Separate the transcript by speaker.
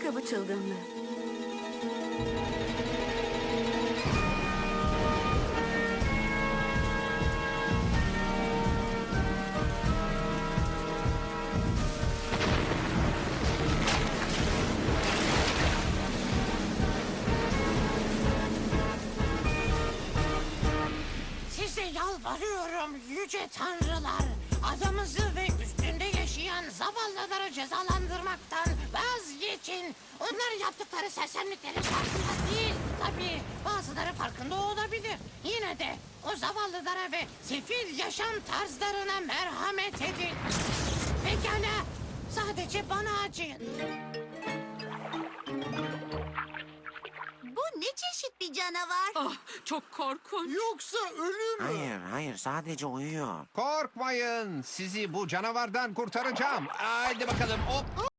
Speaker 1: ayakkabı çılgınlığı.
Speaker 2: Size yalvarıyorum yüce tanrılar. Adamızı ve üstünde yaşayan zavallıları cezalandırmaktan vazgeçin. Onlar yaptıkları sersemliklerin farkında değil. Tabii bazıları farkında olabilir. Yine de o zavallılara ve sefil yaşam tarzlarına merhamet edin. Pekala, sadece bana acıyın.
Speaker 3: Bu ne çeşit bir canavar?
Speaker 4: Ah, çok korkunç.
Speaker 5: Yoksa ölü mü?
Speaker 6: Hayır, sadece uyuyor.
Speaker 5: Korkmayın. Sizi bu canavardan kurtaracağım. Haydi bakalım. Hop.